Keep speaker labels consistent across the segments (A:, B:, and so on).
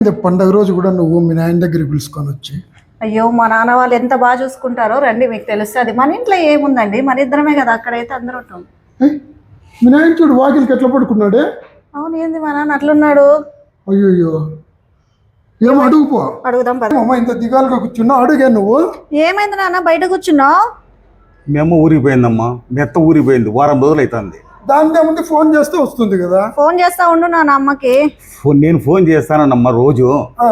A: పండగ రోజు కూడా నువ్వు మీ నాయన దగ్గరికి పిలుచుకొని వచ్చి.
B: అయ్యో మా నాన్న వాళ్ళు ఎంత బాగా చూసుకుంటారో రండి, మీకు తెలుస్తుంది. మన ఇంట్లో ఏముందండి, మన ఇద్దరమే కదా, అక్కడైతే అందరూ ఉంటాం.
A: మీ నాయన చూడు వాకిలికి ఎట్లా పడుకున్నాడే.
B: అవును, ఏంది మా నాన్న అట్లున్నాడు?
A: అయ్యో ఏమో అడుగుపో.
B: అడుగుదాం పద.
A: అమ్మ ఇంత దిగాలుగా కూర్చున్నా, అడుగా నువ్వు.
B: ఏమైంది నాన్న బయట కూర్చున్నావు?
C: మీ అమ్మ ఊరిపోయిందమ్మా, మీ అత్త ఊరిపోయింది, వారం రోజులు అవుతుంది.
A: దాని ముందు ఫోన్ చేస్తే వస్తుంది కదా.
B: ఫోన్ చేస్తా ఉండు నాన్న అమ్మకి.
C: నేను ఫోన్ చేస్తానమ్మా రోజు.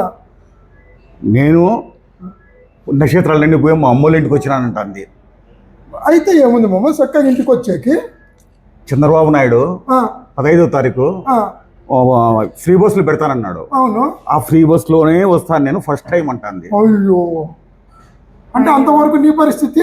C: నేను నక్షత్రాలన్నీ పోయి మా అమ్మోళ్ళ ఇంటికి వచ్చినానంటుంది.
A: అయితే ఏముంది మామ, చక్కగా ఇంటికి వచ్చేకి
C: చంద్రబాబు నాయుడు 15వ తారీఖు ఫ్రీ బస్సులు పెడతానన్నాడు.
A: అవును,
C: ఆ ఫ్రీ బస్సులోనే వస్తాను నేను ఫస్ట్ టైం అంటుంది.
A: అయ్యో, అంటే అంతవరకు నీ పరిస్థితి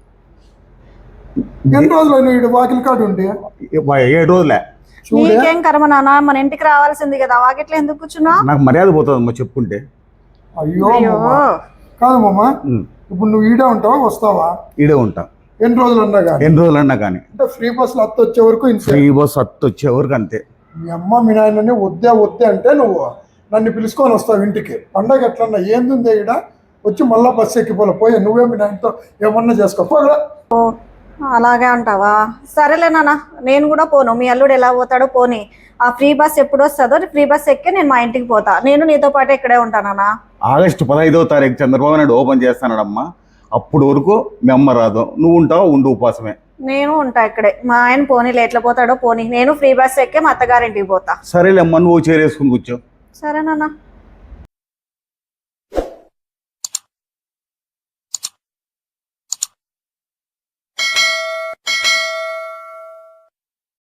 A: ఎన్ని రోజులు వీడు వాకిలి కాడు ఉండి?
C: 7 రోజులే.
B: నీకేం కర్మ నాన్న, మన ఇంటికి రావాల్సింది కదా, వాకిట్లో ఎందుకు కూర్చున్నా?
C: నాకు మర్యాద పోతుందమ్మా చెప్పుకుంటే.
A: అయ్యో కాదు మామ, ఇప్పుడు నువ్వు ఈడే ఉంటావా వస్తావా?
C: ఈడే ఉంటా.
A: ఎన్ని రోజులు అన్నా కానీ?
C: ఎన్ని రోజులు అన్నా కానీ.
A: అంటే ఫ్రీ బస్సులు అత్త వచ్చే వరకు
C: ఫ్రీ బస్ అత్త వచ్చే వరకు అంతే.
A: మీ అమ్మ మీ నాయనని వద్దే అంటే నువ్వు నన్ను పిలుచుకొని వస్తావు ఇంటికి. పండగ ఎట్లన్నా ఏంది ఈడ వచ్చి మళ్ళా బస్సు ఎక్కిపోలే పోయా. నువ్వే మీ నాయనతో ఏమన్నా చేసుకోపోగలరా?
B: అలాగే అంటావా? సరేలే నాన్న, నేను కూడా పోను. మీ అల్లుడు ఎలా పోతాడో పోనీ. ఆ ఫ్రీ బస్ ఎప్పుడు వస్తుందో ఫ్రీ బస్ ఎక్కి నేను మా ఇంటికి పోతా. నేను నీతో పాటు ఇక్కడే ఉంటానా?
C: ఆగస్టు 15వ తారీఖు చంద్రబాబు నాయుడు ఓపెన్ చేస్తానడమ్మా. అప్పుడు వరకు మీ అమ్మ రాదు, నువ్వు ఉంటావు, ఉండు ఉపాసమే.
B: నేను ఉంటా ఇక్కడే. మా ఆయన పోనీ ఎట్లా పోతాడో పోనీ. నేను ఫ్రీ బస్ ఎక్కి మా అత్తగారింటికి పోతా.
C: సరేలేమ్మా, నువ్వు చేరేసుకుని కూర్చో.
B: సరే నాన్న.